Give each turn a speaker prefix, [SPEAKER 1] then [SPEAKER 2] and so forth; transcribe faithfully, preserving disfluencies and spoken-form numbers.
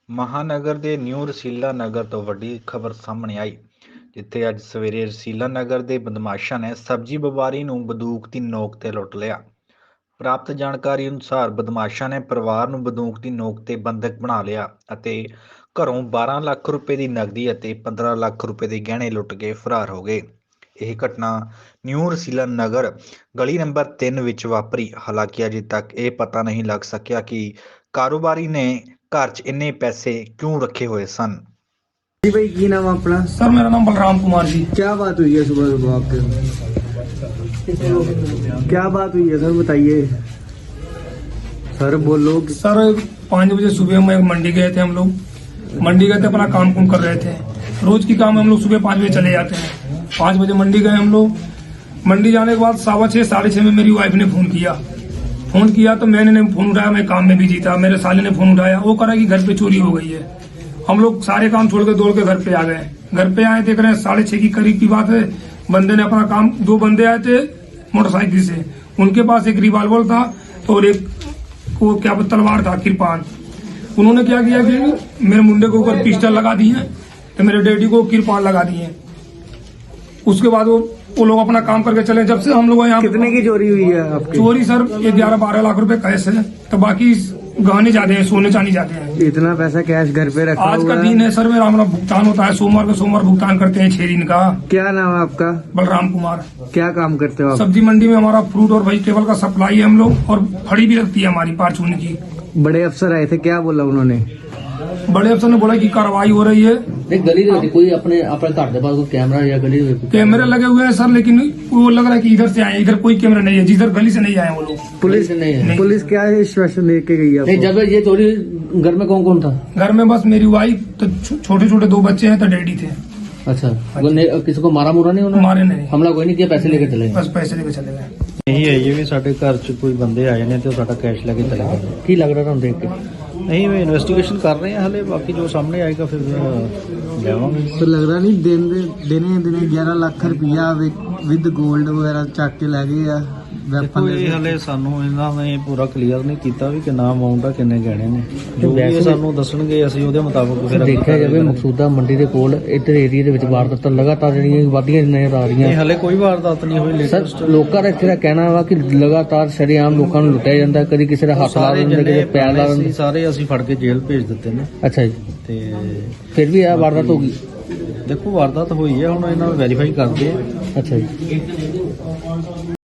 [SPEAKER 1] ਮਹਾਨਗਰ ਦੇ ਨਿਊ ਰਸੀਲਾ ਨਗਰ ਤੋਂ ਵੱਡੀ ਖਬਰ ਸਾਹਮਣੇ ਆਈ, ਜਿੱਥੇ ਅੱਜ ਸਵੇਰੇ ਰਸੀਲਾ ਨਗਰ ਦੇ ਬਦਮਾਸ਼ਾਂ ਨੇ ਸਬਜ਼ੀ ਵਪਾਰੀ ਨੂੰ ਬੰਦੂਕ ਦੀ ਨੋਕ ਤੇ ਲੁੱਟ ਲਿਆ। ਪ੍ਰਾਪਤ ਜਾਣਕਾਰੀ ਅਨੁਸਾਰ ਬਦਮਾਸ਼ਾਂ ਨੇ ਪਰਿਵਾਰ ਨੂੰ ਬੰਦੂਕ ਦੀ ਨੋਕ ਤੇ ਬੰਦਕ ਬਣਾ ਲਿਆ ਅਤੇ ਘਰੋਂ ਬਾਰਾਂ ਲੱਖ ਰੁਪਏ ਦੀ ਨਕਦੀ ਅਤੇ ਪੰਦਰਾਂ ਲੱਖ ਰੁਪਏ ਦੇ ਗਹਿਣੇ ਲੁੱਟ ਕੇ ਫਰਾਰ ਹੋ ਗਏ। ਇਹ ਘਟਨਾ ਨਿਊ ਰਸੀਲਾ ਨਗਰ ਗਲੀ ਨੰਬਰ ਤਿੰਨ ਵਿੱਚ ਵਾਪਰੀ। ਹਾਲਾਂਕਿ ਅਜੇ ਤੱਕ ਇਹ ਪਤਾ ਨਹੀਂ ਲੱਗ ਸਕਿਆ ਕਿ ਕਾਰੋਬਾਰੀ ਨੇ घर च इन्ने पैसे क्यों रखे हुए सन।
[SPEAKER 2] जी भाई, की नाम है अपना?
[SPEAKER 3] सर मेरा नाम बलराम कुमार जी।
[SPEAKER 2] क्या बात हुई है सुबह सुबह आपके? क्या बात हुई है सर, बताइए सर, बोलो।
[SPEAKER 3] सर पाँच बजे सुबह में मंडी गए थे हम लोग। मंडी गए थे, अपना काम कुम कर रहे थे। रोज की काम हम लोग सुबह पाँच बजे चले जाते हैं। पाँच बजे मंडी गए हम लोग। मंडी जाने के बाद सवा छः साढ़े छः में मेरी वाइफ ने फोन किया फोन किया तो मैंने ने फोन उठाया, मैं काम में बिजी था। मेरे साले ने फोन उठाया, वो करा कि घर पे चोरी हो गई है। हम लोग सारे काम छोड़ के दौड़ के घर पे आ गए। घर पे आए, देख रहे हैं साढ़े छह की करीब की बात है। बंदे ने अपना काम, दो बंदे आए थे मोटरसाइकिल से, उनके पास एक रिवॉल्वर था और एक वो क्या तलवार था, किरपान। उन्होंने क्या किया कि मेरे मुंडे के ऊपर पिस्टल लगा दिए तो मेरे डैडी को किरपान लगा दिए। उसके बाद वो वो लोग अपना काम करके चले। जब से हम लोग यहाँ,
[SPEAKER 2] कितने की चोरी हुई है आपकी?
[SPEAKER 3] चोरी सर ग्यारह बारह लाख रुपए कैश है, तो बाकी गहने जाते हैं, सोने चांदी जाते हैं।
[SPEAKER 2] इतना पैसा कैश घर पे रखा
[SPEAKER 3] आज
[SPEAKER 2] हुआ
[SPEAKER 3] का
[SPEAKER 2] है?
[SPEAKER 3] दिन है सर, मेरा हमारा भुगतान होता है सोमवार को। सोमवार भुगतान करते हैं छह दिन का।
[SPEAKER 2] क्या नाम है आपका?
[SPEAKER 3] बलराम कुमार।
[SPEAKER 2] क्या काम करते हो आप?
[SPEAKER 3] सब्जी मंडी में हमारा फ्रूट और वेजिटेबल का सप्लाई है हम लोग, और फड़ी भी लगती है हमारी पारचून की।
[SPEAKER 2] बड़े अफसर आए थे, क्या बोला उन्होंने?
[SPEAKER 3] बड़े अफसर ने बोला कि कार्रवाई हो रही है।
[SPEAKER 4] नहीं, गली दे विच कोई अपने अपने घर के पास कोई कैमरा या गली दे विच
[SPEAKER 3] कैमरे लगे हुए हैं सर, लेकिन वो लग रहा है कि इधर से आए, इधर कोई कैमरा नहीं है। जिधर गली से नहीं आए वो लोग।
[SPEAKER 2] पुलिस
[SPEAKER 4] नहीं है।
[SPEAKER 2] पुलिस क्या आश्वासन लेके गई है
[SPEAKER 4] नहीं,
[SPEAKER 2] आपको?
[SPEAKER 4] जब ये चोरी घर में कौन कौन था?
[SPEAKER 3] घर में बस मेरी वाइफ, तो छोटे छोटे दो बच्चे हैं, तो डैडी थे।
[SPEAKER 4] अच्छा, वो ने- किसी को मारा मुरा नहीं उन्होंने?
[SPEAKER 3] मारे नहीं,
[SPEAKER 4] हमला कोई नहीं किया, पैसे लेके चले गए।
[SPEAKER 3] बस पैसे लेके चले गए।
[SPEAKER 5] ਇਹੀ ਹੈ ਜੀ ਵੀ ਸਾਡੇ ਘਰ 'ਚ ਕੋਈ ਬੰਦੇ ਆਏ ਨੇ ਤੇ ਉਹ ਸਾਡਾ ਕੈਸ਼ ਲੈ ਕੇ ਚਲੇ ਗਏ।
[SPEAKER 4] की लग रहा था हम देख के?
[SPEAKER 5] ਨਹੀਂ ਵੀ ਇਨਵੈਸਟੀਗੇਸ਼ਨ ਕਰ ਰਹੇ ਹਾਂ ਹਲੇ, ਬਾਕੀ ਜੋ ਸਾਹਮਣੇ ਆਏਗਾ ਫਿਰ ਲਿਆਵਾਂਗੇ।
[SPEAKER 2] तो लग रहा नहीं दिन दिने दिने ग्यारह लाख रुपया विद गोल्ड वगैरह चक के लै गए आ।
[SPEAKER 5] ਦੇਖੋ ਇਹ ਹਲੇ ਸਾਨੂੰ ਇਹਨਾਂ ਨੇ ਪੂਰਾ ਕਲੀਅਰ ਨਹੀਂ ਕੀਤਾ ਵੀ ਕਿੰਨਾ ਅਮਾਉਂਟ ਆ, ਕਿੰਨੇ ਗਹਿਣੇ ਨੇ। ਜੋ ਵੀ ਇਹ ਸਾਨੂੰ ਦੱਸਣਗੇ ਅਸੀਂ ਉਹਦੇ ਮੁਤਾਬਕ ਫਿਰ ਅੱਗੇ
[SPEAKER 4] ਦੇਖਿਆ ਜਾਵੇ ਮਕਸੂਦਾ ਮੰਡੀ ਦੇ ਕੋਲ ਇੱਧਰ ਏਰੀਆ ਦੇ ਵਿੱਚ ਵਾਰਦਾਤਾਂ ਲਗਾਤਾਰ ਜਿਹੜੀਆਂ ਵਧੀਆਂ ਨਜ਼ਰ ਆ ਰਹੀਆਂ।
[SPEAKER 5] ਇਹ ਹਲੇ ਕੋਈ ਵਾਰਦਾਤ ਨਹੀਂ ਹੋਈ
[SPEAKER 4] ਸਰ
[SPEAKER 5] ਲੇਟੈਸਟ।
[SPEAKER 4] ਲੋਕਾਂ ਦਾ ਇੱਥੇ ਦਾ ਕਹਿਣਾ ਵਾ ਕਿ ਲਗਾਤਾਰ ਸ਼ਰੇਆਮ ਲੋਕਾਂ ਨੂੰ ਲੁੱਟਿਆ ਜਾਂਦਾ, ਕਦੀ ਕਿਸੇ ਦਾ ਹੱਥ ਲਾ
[SPEAKER 5] ਸਾਰੇ
[SPEAKER 4] ਦਿੰਦੇ,
[SPEAKER 5] ਜਿੰਨੇ
[SPEAKER 4] ਕਿਸੇ ਪੈਰ ਲਾ
[SPEAKER 5] ਸੀ
[SPEAKER 4] ਦਿੰਦੇ।
[SPEAKER 5] ਸਾਰੇ ਅਸੀਂ ਫੜ ਕੇ ਜੇਲ੍ਹ ਭੇਜ ਦਿੱਤੇ ਨੇ।
[SPEAKER 4] ਅੱਛਾ ਜੀ,
[SPEAKER 5] ਤੇ
[SPEAKER 4] ਫਿਰ ਵੀ ਇਹ ਵਾਰਦਾਤ ਹੋ ਗਈ।
[SPEAKER 5] ਦੇਖੋ ਵਾਰਦਾਤ ਹੋਈ ਹੈ, ਹੁਣ ਇਹਨਾਂ ਨੂੰ ਵੈਰੀਫਾਈ ਕਰਦੇ ਆ।
[SPEAKER 4] ਅੱਛਾ ਜੀ।